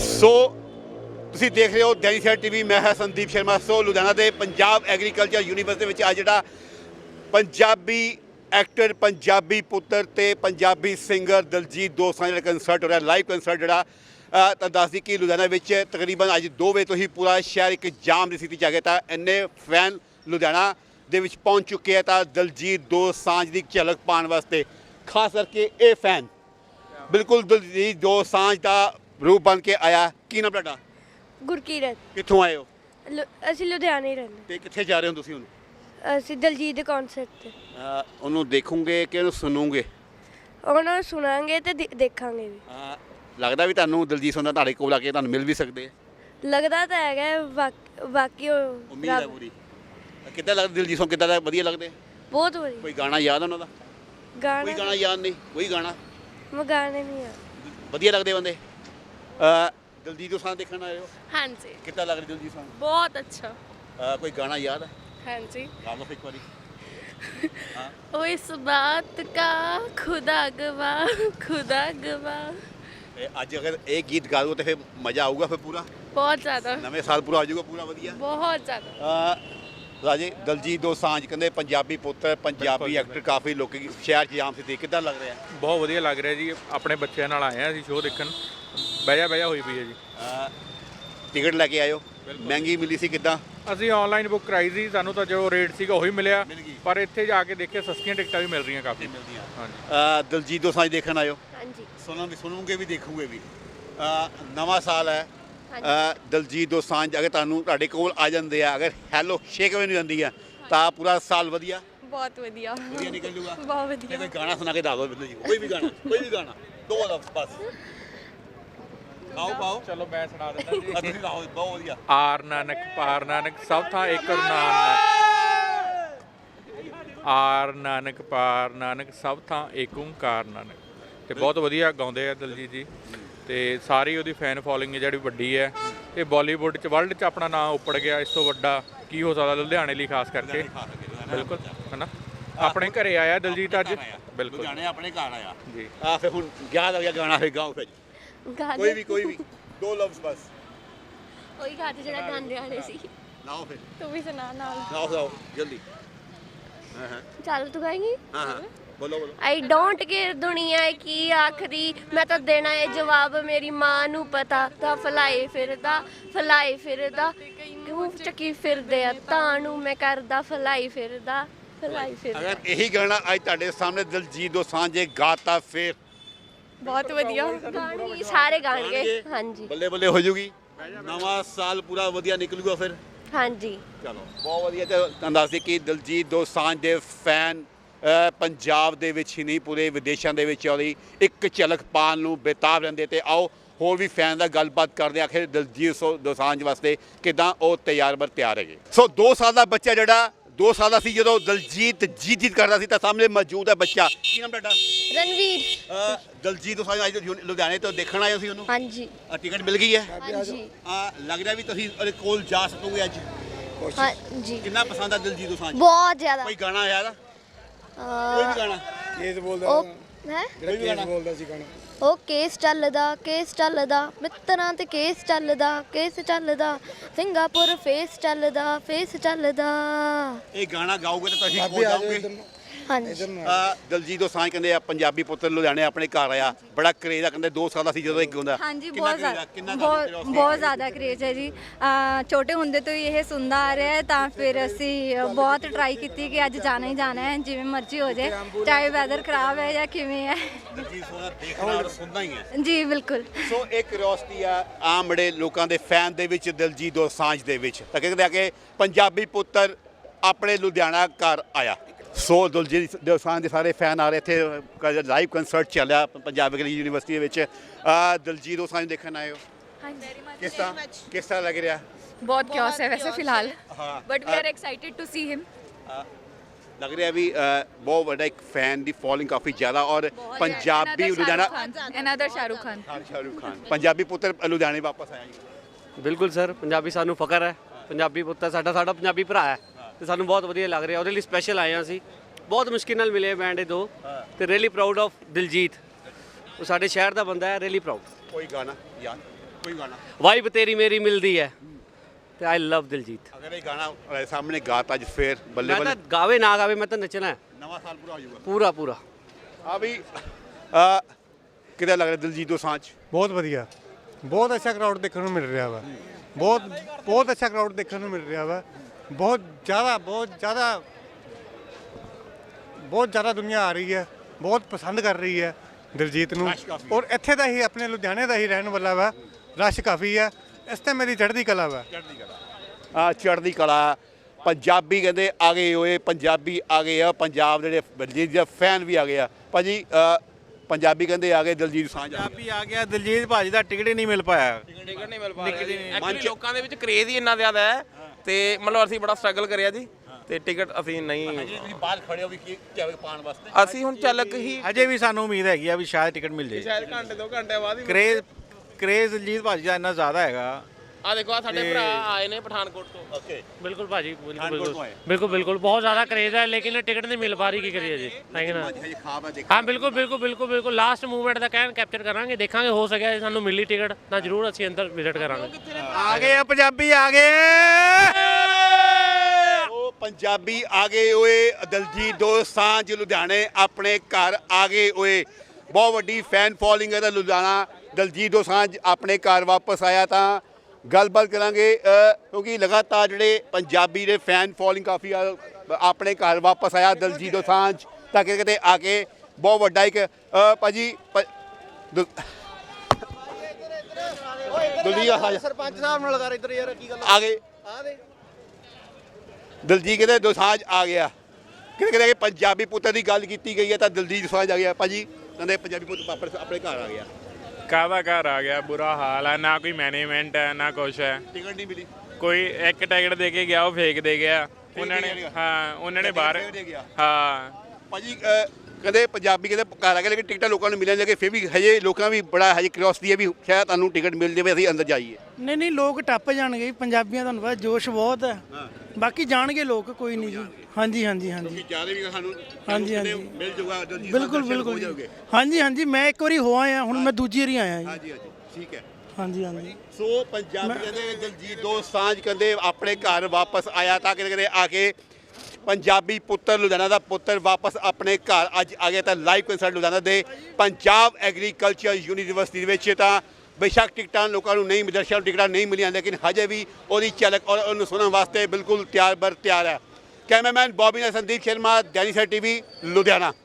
ਸੋ ਤੁਸੀਂ ਦੇਖ ਰਹੇ ਹੋ ਦੈਨਿਕ ਸਵੇਰਾ ਟੀਵੀ। ਮੈਂ ਹਾਂ ਸੰਦੀਪ ਸ਼ਰਮਾ। ਸੋ ਲੁਧਿਆਣਾ ਦੇ ਪੰਜਾਬ ਐਗਰੀਕਲਚਰ ਯੂਨੀਵਰਸਿਟੀ ਦੇ ਵਿੱਚ ਅੱਜ ਜਿਹੜਾ ਪੰਜਾਬੀ ਐਕਟਰ, ਪੰਜਾਬੀ ਪੁੱਤਰ ਤੇ ਪੰਜਾਬੀ ਸਿੰਗਰ ਦਲਜੀਤ ਦੋਸਾਂਝ ਦਾ ਕੰਸਰਟ ਹੋ ਰਿਹਾ, ਲਾਈਵ ਕੰਸਰਟ ਜਿਹੜਾ ਤਾਂ ਦੱਸਦੀ ਕਿ ਲੁਧਿਆਣਾ ਵਿੱਚ ਤਕਰੀਬਨ ਅੱਜ 2 ਵਜੇ ਤੋਂ ਹੀ ਪੂਰਾ ਸ਼ਹਿਰ ਇੱਕ ਜਾਮ ਦੀ ਸਥਿਤੀ 'ਚ ਆ ਗਿਆ। ਤਾਂ ਇੰਨੇ ਫੈਨ ਲੁਧਿਆਣਾ ਦੇ ਵਿੱਚ ਪਹੁੰਚ ਚੁੱਕੇ ਆ ਤਾਂ ਦਲਜੀਤ ਦੋਸਾਂਝ ਦੀ ਝਲਕ ਪਾਉਣ ਵਾਸਤੇ। ਖਾਸ ਕਰਕੇ ਇਹ ਫੈਨ ਬਿਲਕੁਲ ਦਲਜੀਤ ਦੋਸਾਂਝ ਦਾ ਰੂਪ ਬਣ ਕੇ ਆਇਆ। ਕੀ ਨਾਮ ਤੁਹਾਡਾ? ਗੁਰਕੀਰਤ। ਕਿੱਥੋਂ ਆਏ ਹੋ? ਅਸੀਂ ਲੁਧਿਆਣੇ ਹੀ ਰਹਿੰਦੇ। ਤੇ ਕਿੱਥੇ ਜਾ ਰਹੇ ਹੋ ਤੁਸੀਂ ਹੁਣ? ਅਸੀਂ ਦਲਜੀਤ ਦੇ ਕਨਸਰਟ ਤੇ। ਉਹਨੂੰ ਦੇਖੋਗੇ ਕਿ ਉਹਨੂੰ ਸੁਣੋਗੇ? ਉਹਨਾਂ ਨੂੰ ਸੁਣਾਂਗੇ ਤੇ ਦੇਖਾਂਗੇ ਵੀ। ਲੱਗਦਾ ਵੀ ਤੁਹਾਨੂੰ ਦਲਜੀਤ ਦੋਸਾਂਝ ਤੁਹਾਡੇ ਕੋਲ ਆ ਕੇ ਤੁਹਾਨੂੰ ਮਿਲ ਵੀ ਸਕਦੇ ਆ? ਲੱਗਦਾ ਤਾਂ ਹੈਗਾ, ਬਾਕੀ ਉਮੀਦ ਹੈ ਪੂਰੀ। ਕਿੱਦਾਂ ਲੱਗਦਾ ਦਲਜੀਤ ਦੋਸਾਂਝ? ਕਿੱਦਾਂ ਦਾ? ਵਧੀਆ ਲੱਗਦੇ? ਬਹੁਤ ਵਧੀਆ। ਕੋਈ ਗਾਣਾ ਯਾਦ ਉਹਨਾਂ ਦਾ? ਕੋਈ ਗਾਣਾ ਯਾਦ ਨਹੀਂ? ਕੋਈ ਗਾਣਾ? ਮੈਂ ਗਾਣੇ ਨਹੀਂ ਆ। ਵਧੀਆ ਲੱਗਦੇ ਬੰਦੇ। ਦਲਜੀਤ ਦੋਸਾਂਝ ਦੇਖਣ ਆਏ ਹੋ? ਹਾਂਜੀ। ਕਿੱਦਾਂ ਲੱਗ ਰਿਹਾ ਦਲਜੀਤ ਦੋਸਾਂਝ? ਬਹੁਤ ਅੱਛਾ। ਕੋਈ ਗਾਣਾ ਯਾਦ ਹੈ? ਹਾਂਜੀ। ਗਾ ਲਓ ਇੱਕ ਵਾਰੀ। ओ इस बात का खुदा गवा। ਅੱਜ ਅਗਰ ਇਹ ਗੀਤ ਗਾ ਦੋ ਤਾਂ ਫਿਰ ਮਜ਼ਾ ਆਊਗਾ ਫਿਰ ਪੂਰਾ? बहुत ज़्यादा। ਨਵੇਂ ਸਾਲ ਪੂਰਾ ਆ ਜਾਊਗਾ ਪੂਰਾ ਵਧੀਆ। बहुत ज़्यादा। ਰਾਜੇ ਦਲਜੀਤ ਦੋਸਾਂਝ ਕਹਿੰਦੇ ਪੰਜਾਬੀ ਪੁੱਤਰ, ਪੰਜਾਬੀ ਐਕਟਰ, ਕਾਫੀ ਲੋਕੀ ਸ਼ਹਿਰ 'ਚ ਜਾਮ ਸੀ। ਕਿੱਦਾਂ ਲੱਗ ਰਿਹਾ? ਬਹੁਤ ਵਧੀਆ ਲੱਗ ਰਿਹਾ ਜੀ। ਆਪਣੇ ਬੱਚਿਆਂ ਨਾਲ ਆਏ ਆ ਅਸੀਂ ਸ਼ੋਅ ਦੇਖਣ। ਬਹਿਜਾ ਹੋਈ ਪਈ ਹੈ ਜੀ। ਟਿਕਟ ਲੈ ਕੇ ਆਇਓ? ਮਹਿੰਗੀ ਮਿਲੀ ਸੀ? ਕਿੱਦਾਂ? ਅਸੀਂ ਆਨਲਾਈਨ ਬੁੱਕ ਕਰਾਈ ਸੀ, ਸਾਨੂੰ ਤਾਂ ਜੋ ਰੇਟ ਸੀਗਾ ਉਹੀ ਮਿਲਿਆ, ਪਰ ਇੱਥੇ ਜਾ ਕੇ ਦੇਖਿਆ ਸਸਤੀਆਂ ਟਿਕਟਾਂ ਵੀ ਮਿਲ ਰਹੀਆਂ ਕਾਫੀ। ਹਾਂਜੀ। ਦਲਜੀਤ ਦੋਸਾਂਝ ਦੇਖਣ ਆਇਓ? ਹਾਂਜੀ। ਸੁਣੋਗੇ ਵੀ ਦੇਖੋਗੇ ਵੀ। ਨਵਾਂ ਸਾਲ ਹੈ। ਦਲਜੀਤ ਦੋਸਾਂਝ ਅਗਰ ਤੁਹਾਡੇ ਕੋਲ ਆ ਜਾਂਦੇ ਆ, ਅਗਰ ਹੈਲੋ ਸ਼ੇਕ ਵੀ ਨਹੀਂ ਜਾਂਦੀ ਆ ਤਾਂ ਪੂਰਾ ਸਾਲ ਵਧੀਆ बहुत वधिया। ਵਧੀਆ ਨਿਕਲ ਜੂਗਾ। बहुत वधिया। ਕੋਈ ਗਾਣਾ ਸੁਣਾ ਕੇ ਦੱਸ ਦਿਓ ਬਿੱਲੂ ਜੀ। ਕੋਈ ਵੀ ਗਾਣਾ 2 ਲਫ਼ਜ਼ ਬਸ। ਪਾਓ ਚਲੋ ਮੈਂ ਸੁਣਾ ਦਿੰਦਾ ਜੀ। ਤੁਸੀਂ ਗਾਓ, ਬਹੁਤ ਵਧੀਆ। ਆਰ ਨਾਨਕ ਪਾਰ ਨਾਨਕ ਸਭ ਥਾਂ ਇੱਕ ਨਾਨਕ। ਆਰ ਨਾਨਕ ਪਾਰ ਨਾਨਕ ਸਭ ਥਾਂ ਏਕ ਓਂਕਾਰ ਨਾਨਕ। ਤੇ ਬਹੁਤ ਵਧੀਆ ਗਾਉਂਦੇ ਆ ਦਲਜੀਤ ਜੀ ਤੇ ਸਾਰੀ ਉਹਦੀ ਫੈਨ ਫੋਲੋਇੰਗ ਜਿਹੜੀ ਵੱਡੀ ਹੈ। ਇਹ ਬਾਲੀਵੁੱਡ 'ਚ, ਵਰਲਡ 'ਚ ਆਪਣਾ ਨਾਮ ਉੱਪੜ ਗਿਆ। ਇਸ ਤੋਂ ਵੱਡਾ ਕੀ ਹੋ ਸਕਦਾ ਲੁਧਿਆਣੇ ਲਈ ਖਾਸ ਕਰਕੇ? ਬਿਲਕੁਲ ਹੈ ਨਾ। ਆਪਣੇ ਘਰੇ ਆਇਆ ਦਲਜੀਤ ਅੱਜ। ਬਿਲਕੁਲ ਲੁਧਿਆਣੇ ਆਪਣੇ ਘਰ ਆਇਆ ਜੀ। ਫਿਰ ਹੁਣ ਯਾਦ ਆ ਗਿਆ ਗਾਣਾ, ਫਿਰ ਗਾਓ ਫਿਰ ਕੋਈ ਵੀ 2 ਲਫ਼ਜ਼ ਬਸ। ਉਹੀ ਗਾਣੇ ਜਿਹੜਾ ਗਾਉਂਦੇ ਆਣੇ ਸੀ। ਲਾਓ ਫਿਰ। तू भी सुना नाल। ਗਾਓ ਜਲਦੀ। ਚੱਲ ਤੂੰ ਗਾਏਂਗੀ? ਹਾਂ ਬੋਲੋ। ਆਈ ਡੋਂਟ ਕੇਅਰ ਦੁਨੀਆ ਕੀ ਆਖਰੀ, ਮੈਂ ਤਾਂ ਦੇਣਾ ਏ ਜਵਾਬ ਮੇਰੀ ਮਾਂ ਨੂੰ ਪਤਾ। ਤਾਂ ਫਲਾਏ ਫਿਰਦਾ ਕਿਉਂ ਚੱਕੀ ਫਿਰਦੇ ਆ ਤਾਂ ਨੂੰ ਮੈਂ ਕਰਦਾ ਫਲਾਈ ਫਿਰਦਾ। ਅਗਰ ਇਹੀ ਗਾਣਾ ਅੱਜ ਤੁਹਾਡੇ ਸਾਹਮਣੇ ਦਲਜੀਤ ਦੋਸਾਂਝ ਗਾਤਾ ਫਿਰ बहुत वधिया। ਗਾਣੇ ਸਾਰੇ ਗਾਣਗੇ। ਹਾਂਜੀ। ਬੱਲੇ ਬੱਲੇ ਹੋ ਜੂਗੀ। ਨਵਾਂ ਸਾਲ ਪੂਰਾ ਵਧੀਆ ਨਿਕਲੂਗਾ ਫਿਰ। ਹਾਂਜੀ। ਚਲੋ ਬਹੁਤ ਵਧੀਆ। ਤੇ ਤੁਹਾਨੂੰ ਦੱਸਦੀ ਕਿ ਦਲਜੀਤ ਦੋਸਾਂਝ ਦੇ ਫੈਨ ਪੰਜਾਬ ਦੇ ਵਿੱਚ ਹੀ ਨਹੀਂ ਪੂਰੇ ਵਿਦੇਸ਼ਾਂ ਦੇ ਵਿੱਚ ਉਹਦੀ ਇੱਕ ਝਲਕ ਪਾਉਣ ਨੂੰ ਬੇਤਾਬ ਰਹਿੰਦੇ। ਤੇ ਆਓ ਹੋਰ ਵੀ ਫੈਨ ਦਾ ਗੱਲਬਾਤ ਕਰਦੇ ਆ ਆਖਿਰ ਦਲਜੀਤ ਦੋਸਾਂਝ ਵਾਸਤੇ ਕਿੱਦਾਂ ਉਹ ਤਿਆਰ ਹੈਗੇ। ਸੋ 2 ਸਾਲ ਦਾ ਬੱਚਾ ਜਿਹੜਾ 2 ਸਾਲ ਦਾ ਸੀ ਜਦੋਂ ਦਲਜੀਤ ਜੀਤ ਕਰਦਾ ਸੀ ਤਾਂ ਸਾਹਮਣੇ ਮੌਜੂਦ ਹੈ ਬੱਚਾ। ਕੀ ਨਾਮ ਤੁਹਾਡਾ? ਰਣਵੀਰ। ਦਲਜੀਤ ਦੋਸਾਂਝ ਅੱਜ ਲੁਧਿਆਣੇ ਤੋਂ ਦੇਖਣ ਆਏ ਸੀ ਉਹਨੂੰ? ਹਾਂਜੀ। ਟਿਕਟ ਮਿਲ ਗਈ ਹੈ? ਹਾਂਜੀ। ਲੱਗ ਰਿਹਾ ਵੀ ਤੁਸੀਂ ਉਹਦੇ ਕੋਲ ਜਾ ਸਕੋਗੇ ਅੱਜ? ਹਾਂਜੀ। ਕਿੰਨਾ ਪਸੰਦ ਆ ਦਲਜੀਤ ਦੋਸਾਂਝ? ਬਹੁਤ ਜ਼ਿਆਦਾ। ਕੋਈ ਗਾਣਾ ਆਇਆ ਦਾ? ਕੋਈ ਵੀ ਗਾਣਾ? ਕੇਸ ਬੋਲਦਾ ਹੈ ਜਿਹੜਾ ਕੇਸ ਬੋਲਦਾ ਸੀ ਗਾਣਾ। ਉਹ ਕੇਸ ਚੱਲਦਾ ਮਿੱਤਰਾਂ ਤੇ ਕੇਸ ਚੱਲਦਾ ਸਿੰਗਾਪੁਰ ਫੇਸ ਚੱਲਦਾ। ਇਹ ਗਾਣਾ ਗਾਓਗੇ ਤਾਂ ਤੁਸੀਂ ਕੋਲ ਜਾਓਗੇ? ਹਾਂਜੀ। ਦਲਜੀਤ ਦੋਸਾਂਝ ਕਹਿੰਦੇ ਆ ਪੰਜਾਬੀ ਪੁੱਤਰ ਲੁਧਿਆਣੇ ਆਪਣੇ ਘਰ ਆਇਆ। ਬੜਾ ਕਰੇਜ਼ ਆ ਕਹਿੰਦੇ 2 ਸਾਲ ਦਾ ਸੀ ਜਦੋਂ ਇੱਕ ਹੁੰਦਾ। ਹਾਂਜੀ ਬਹੁਤ ਜ਼ਿਆਦਾ ਕਰੇਜ਼ ਹੈ ਜੀ। ਛੋਟੇ ਹੁੰਦੇ ਤੋਂ ਹੀ ਇਹ ਸੁਣਦਾ ਆ ਰਿਹਾ ਹੈ ਤਾਂ ਫਿਰ ਅਸੀਂ ਬਹੁਤ ਟਰਾਈ ਕੀਤੀ ਕਿ ਅੱਜ ਜਾਣਾ ਹੀ ਜਾਣਾ ਹੈ ਜਿਵੇਂ ਮਰਜ਼ੀ ਹੋ ਜਾਏ, ਚਾਹੇ ਵੈਦਰ ਖਰਾਬ ਹੈ ਜਾਂ ਕਿਵੇਂ ਹੈ। ਦਲਜੀਤ ਦੋਸਾਂਝ ਦੇਖਣਾ ਔਰ ਸੁਣਨਾ ਹੀ ਹੈ ਜੀ ਬਿਲਕੁਲ। ਸੋ ਇਹ ਕਿਉਰਿਓਸਿਟੀ ਆ ਆਮ ਬੜੇ ਲੋਕਾਂ ਦੇ ਫੈਨ ਦੇ ਵਿੱਚ ਦਲਜੀਤ ਦੋਸਾਂਝ ਦੇ ਵਿੱਚ। ਤਾਂ ਕਹਿੰਦੇ ਆ ਕਿ ਪੰਜਾਬੀ ਪੁੱਤਰ ਆਪਣੇ ਲੁਧਿਆਣਾ ਘਰ ਆਇਆ। ਸੋ ਦਲਜੀਤ ਦੋਸਾਂਝ ਦੇ ਸਾਰੇ ਫੈਨ ਆ ਰਹੇ ਇੱਥੇ। ਲਾਈਵ ਕੰਸਰਟ ਚੱਲਿਆ ਪੰਜਾਬ ਐਗਰੀਕਲਚਰ ਯੂਨੀਵਰਸਿਟੀ ਦੇ ਵਿੱਚ। ਦਲਜੀਤ ਦੋਸਾਂਝ ਦੇਖਣ ਆਏ ਹੋ? ਕਿਸ ਤਰ੍ਹਾਂ ਲੱਗ ਰਿਹਾ? बहुत क्योस है वैसे फिलहाल। हाँ। But we are excited to see him. ਲੱਗ ਰਿਹਾ ਵੀ ਬਹੁਤ ਵੱਡਾ ਇੱਕ ਫੈਨ ਦੀ ਫੋਲੋਇੰਗ ਕਾਫੀ ਜ਼ਿਆਦਾ ਔਰ ਪੰਜਾਬੀ ਲੁਧਿਆਣਾ। अनदर शाहरुख खान। ਸ਼ਾਹਰੁਖ ਖਾਨ ਪੰਜਾਬੀ ਪੁੱਤਰ ਲੁਧਿਆਣੇ ਵਾਪਸ ਆਇਆ ਜੀ। ਬਿਲਕੁਲ ਸਰ, ਪੰਜਾਬੀ ਸਾਨੂੰ ਫਖਰ ਹੈ। ਪੰਜਾਬੀ ਪੁੱਤਰ ਸਾਡਾ ਪੰਜਾਬੀ ਭਰਾ ਹੈ ਤੇ ਸਾਨੂੰ ਬਹੁਤ ਵਧੀਆ ਲੱਗ ਰਿਹਾ। ਉਹਦੇ ਲਈ ਸਪੈਸ਼ਲ ਆਏ ਹਾਂ ਅਸੀਂ। ਬਹੁਤ ਮੁਸ਼ਕਿਲ ਨਾਲ ਮਿਲੇ ਬੈਂਡ ਇਹ 2 ਤੇ ਰੀਅਲੀ ਪ੍ਰਾਊਡ ਆਫ ਦਿਲਜੀਤ। ਉਹ ਸਾਡੇ ਸ਼ਹਿਰ ਦਾ ਬੰਦਾ ਹੈ। Really proud. ਕੋਈ ਗਾਣਾ ਯਾਦ? ਕੋਈ ਗਾਣਾ ਵਾਈਬ ਤੇਰੀ ਮੇਰੀ ਮਿਲਦੀ ਹੈ ਤੇ ਆਈ ਲਵ ਦਿਲਜੀਤ। ਅਗਰ ਇਹ ਗਾਣਾ ਤੁਹਾਡੇ ਸਾਹਮਣੇ ਗਾਤਾ ਅੱਜ ਫੇਰ ਬੱਲੇ ਮੈਂ ਬੱਲੇ ਤਾਂ ਗਾਵੇ ਨਾ ਗਾਵੇ ਮੈਂ ਤਾਂ ਨੱਚਣਾ ਹੈ ਨਵਾਂ ਸਾਲ ਪੂਰਾ ਹੋ ਜਾਊਗਾ। ਪੂਰਾ ਪੂਰਾ। ਆ ਵੀ ਕਿਹਦਾ ਲੱਗ ਰਿਹਾ ਦਿਲਜੀਤ ਦੋਸਾਂਝ? ਬਹੁਤ ਵਧੀਆ, ਬਹੁਤ ਅੱਛਾ ਕਰਾਊਡ ਦੇਖਣ ਨੂੰ ਮਿਲ ਰਿਹਾ ਵਾ। ਬਹੁਤ ਅੱਛਾ ਕਰਾਊਡ ਦੇਖਣ ਨੂੰ ਮਿਲ ਰਿਹਾ ਵਾ। ਬਹੁਤ ਜ਼ਿਆਦਾ ਦੁਨੀਆ ਆ ਰਹੀ ਹੈ, ਬਹੁਤ ਪਸੰਦ ਕਰ ਰਹੀ ਹੈ ਦਿਲਜੀਤ ਨੂੰ। ਰਸ਼ ਕਾਫੀ ਔਰ ਇੱਥੇ ਦਾ ਹੀ ਆਪਣੇ ਲੁਧਿਆਣੇ ਦਾ ਹੀ ਰਹਿਣ ਵਾਲਾ ਵਾ। ਰਸ਼ ਕਾਫੀ ਹੈ। ਇਸ ਤੇ ਮੇਰੀ ਚੜ੍ਹਦੀ ਕਲਾ ਵਾ। ਚੜ੍ਹਦੀ ਕਲਾ। ਪੰਜਾਬੀ ਕਹਿੰਦੇ ਆ ਗਏ ਓਏ, ਪੰਜਾਬੀ ਆ ਗਏ ਆ। ਪੰਜਾਬ ਦੇ ਜਿਹੜੇ ਦਿਲਜੀਤ ਦੇ ਫੈਨ ਵੀ ਆ ਗਏ ਆ ਭਾਜੀ। ਪੰਜਾਬੀ ਕਹਿੰਦੇ ਆ ਗਏ, ਦਿਲਜੀਤ ਦੋਸਾਂਝ ਆ ਗਿਆ। ਪੰਜਾਬੀ ਆ ਗਿਆ, ਦਿਲਜੀਤ ਭਾਜੀ ਦਾ ਟਿਕਟ ਹੀ ਨਹੀਂ ਮਿਲ ਪਾਇਆ। ਟਿਕਟ ਨਹੀਂ ਮਿਲ ਪਾ ਰਿਹਾ ਐਕਚੁਅਲੀ ਲੋਕਾਂ ਦੇ ਵਿੱਚ ਕਰੇਜ਼ ਹੀ ਇੰਨਾ ਜ਼ਿਆਦਾ ਹੈ ਤੇ ਮਤਲਬ ਅਸੀਂ ਬੜਾ ਸਟਰਗਲ ਕਰਿਆ ਜੀ ਤੇ ਟਿਕਟ ਅਸੀਂ ਨਹੀਂ ਤੁਸੀਂ ਬਾਹਰ ਖੜੇ ਹੋ ਵੀ ਕੀ ਕਿਵੇਂ ਪਾਉਣ ਵਾਸਤੇ? ਅਸੀਂ ਹੁਣ ਚੱਲਕ ਹੀ ਅਜੇ ਵੀ ਸਾਨੂੰ ਉਮੀਦ ਹੈਗੀ ਆ ਵੀ ਸ਼ਾਇਦ ਟਿਕਟ ਮਿਲ ਜਾਏ। ਸ਼ਾਇਦ ਘੰਟੇ 2 ਘੰਟੇ ਬਾਅਦ ਹੀ ਕਰੇਜ਼ ਦਿਲਜੀਤ ਭਾਜੀ ਦਾ ਇੰਨਾ ਜ਼ਿਆਦਾ ਹੈਗਾ। ਆ ਦੇਖੋ ਆ ਸਾਡੇ ਭਰਾ ਆਏ ਨੇ ਪਠਾਨਕੋਟ ਤੋਂ। ਓਕੇ बिल्कुल भाजी पठानकोट में है। बिल्कुल बहुत ज़्यादा क्रेज़ है लेकिन टिकट नहीं मिल पा रही की करिए जी है कि ना। ਹਜੇ ਖਾਬ ਹੈ ਦੇਖ। हाँ बिल्कुल लास्ट मूवमेंट का कैन कैप्चर करांगे देखांगे हो सके सानू मिली टिकट ਤਾਂ ਜ਼ਰੂਰ ਅਸੀਂ ਅੰਦਰ ਵਿਜ਼ਿਟ ਕਰਾਂਗੇ। ਆ ਗਏ ਆ ਪੰਜਾਬੀ ਆ ਗਏ। ਉਹ ਪੰਜਾਬੀ ਆ ਗਏ ਓਏ। ਦਿਲਜੀਤ ਦੋਸਾਂਝ ਲੁਧਿਆਣੇ ਆਪਣੇ ਘਰ ਆ ਗਏ ਓਏ। ਬਹੁਤ ਵੱਡੀ ਫੈਨ ਫੋਲੋਇੰਗ ਹੈ ਤਾਂ ਲੁਧਿਆਣਾ ਦਿਲਜੀਤ ਦੋਸਾਂਝ ਆਪਣੇ ਘਰ ਵਾਪਸ ਆਇਆ ਤਾਂ ਗੱਲਬਾਤ ਕਰਾਂਗੇ ਕਿਉਂਕਿ ਲਗਾਤਾਰ ਜਿਹੜੇ ਪੰਜਾਬੀ ਦੇ ਫੈਨ ਫੋਲੋਇੰਗ ਕਾਫੀ ਆਪਣੇ ਘਰ ਵਾਪਸ ਆਇਆ ਦਿਲਜੀਤ ਦੋਸਾਂਝ ਤਾਂ ਕਿਤੇ ਆ ਕੇ ਬਹੁਤ ਵੱਡਾ ਇੱਕ ਭਾਜੀ ਸਰਪੰਚ ਸਾਹਿਬ ਨਾਲ ਕਰ ਇੱਧਰ ਯਾਰ ਕੀ ਗੱਲ ਆ ਗਏ। ਦਿਲਜੀਤ ਕਹਿੰਦੇ ਦੋਸਾਂਝ ਆ ਗਿਆ। ਕਿਤੇ ਕਿ ਪੰਜਾਬੀ ਪੁੱਤਰ ਦੀ ਗੱਲ ਕੀਤੀ ਗਈ ਹੈ ਤਾਂ ਦਿਲਜੀਤ ਦੋਸਾਂਝ ਆ ਗਿਆ। ਭਾਜੀ ਕਹਿੰਦੇ ਪੰਜਾਬੀ ਪੁੱਤ ਆਪਣੇ ਘਰ ਆ ਗਿਆ। ਕਾਹਦਾ ਘਰ ਆ ਗਿਆ, ਬੁਰਾ ਹਾਲ ਹੈ, ਨਾ ਕੋਈ ਮੈਨੇਜਮੈਂਟ ਹੈ ਨਾ ਕੁਛ ਹੈ। ਟਿਕਟ ਨਹੀਂ ਮਿਲੀ। ਕੋਈ ਇੱਕ ਟਿਕਟ ਦੇ ਕੇ ਗਿਆ ਉਹ ਫੇਕ ਦੇ ਗਿਆ ਉਹਨਾਂ ਨੇ। ਹਾਂ ਉਹਨਾਂ ਨੇ ਬਾਹਰ ਹਾਂ ਭਾਜੀ ਕਹਿੰਦੇ ਪੰਜਾਬੀ ਕਹਿੰਦੇ ਘਰ ਆ ਕੇ ਲੇਕਿਨ ਟਿਕਟਾਂ ਲੋਕਾਂ ਨੂੰ ਮਿਲਣ ਲੱਗੇ ਫਿਰ ਵੀ ਹਜੇ ਲੋਕਾਂ ਵੀ ਬੜਾ ਹਜੇ ਕਿਉਰਿਓਸਿਟੀ ਹੈ ਵੀ ਸ਼ਾਇਦ ਤੁਹਾਨੂੰ ਟਿਕਟ ਮਿਲ ਜਾਵੇ ਅਸੀਂ ਅੰਦਰ ਜਾਈਏ। ਨਹੀਂ ਲੋਕ ਟੱਪ ਜਾਣਗੇ ਪੰਜਾਬੀਆਂ ਤੁਹਾਨੂੰ ਪਤਾ ਜੋਸ਼ ਬਹੁਤ ਹੈ। ਬਾਕੀ ਜਾਣਗੇ ਲੋਕ ਕੋਈ ਨਹੀਂ ਜੀ। ਹਾਂਜੀ ਚਾਹਦੇ ਵੀ ਸਾਨੂੰ ਹਾਂਜੀ ਮਿਲ ਜਾਊਗਾ ਬਿਲਕੁਲ ਹਾਂਜੀ ਮੈਂ ਇੱਕ ਵਾਰੀ ਹੋ ਆਇਆ ਹੁਣ ਮੈਂ ਦੂਜੀ ਵਾਰੀ ਆਇਆ ਜੀ। ਹਾਂਜੀ ਠੀਕ ਹੈ। ਹਾਂਜੀ ਸੋ ਪੰਜਾਬੀ ਕਹਿੰਦੇ ਦਿਲਜੀਤ ਦੋਸਾਂਝ ਕਹਿੰਦੇ ਆਪਣੇ ਘਰ ਵਾਪਸ ਆਇਆ ਤਾਂ ਕਿਤੇ ਆ ਕੇ ਪੰਜਾਬੀ ਪੁੱਤਰ ਲੁਧਿਆਣਾ ਦਾ ਪੁੱਤਰ ਵਾਪਸ ਆਪਣੇ ਘਰ ਅੱਜ ਆ ਗਿਆ ਤਾਂ ਲਾਈਵ ਕੰਸਰਟ ਲੁਧਿਆਣਾ ਦੇ ਪੰਜਾਬ ਐਗਰੀਕਲਚਰ ਯੂਨੀਵਰਸਿਟੀ ਦੇ ਵਿੱਚ ਤਾਂ ਬੇਸ਼ੱਕ ਟਿਕਟਾਂ ਲੋਕਾਂ ਨੂੰ ਨਹੀਂ ਦਰਸ਼ਕਾਂ ਨੂੰ ਟਿਕਟਾਂ ਨਹੀਂ ਮਿਲੀਆਂ ਲੇਕਿਨ ਹਜੇ ਵੀ ਉਹਦੀ ਝਲਕ ਔਰ ਉਹਨੂੰ ਸੁਣਨ ਵਾਸਤੇ ਬਿਲਕੁਲ ਤਿਆਰ ਹੈ। ਕੈਮਰਾਮੈਨ ਬੌਬੀ ਨਾਲ ਸੰਦੀਪ ਸ਼ਰਮਾ, ਦੈਨਿਕ ਸਵੇਰਾ ਟੀਵੀ ਲੁਧਿਆਣਾ।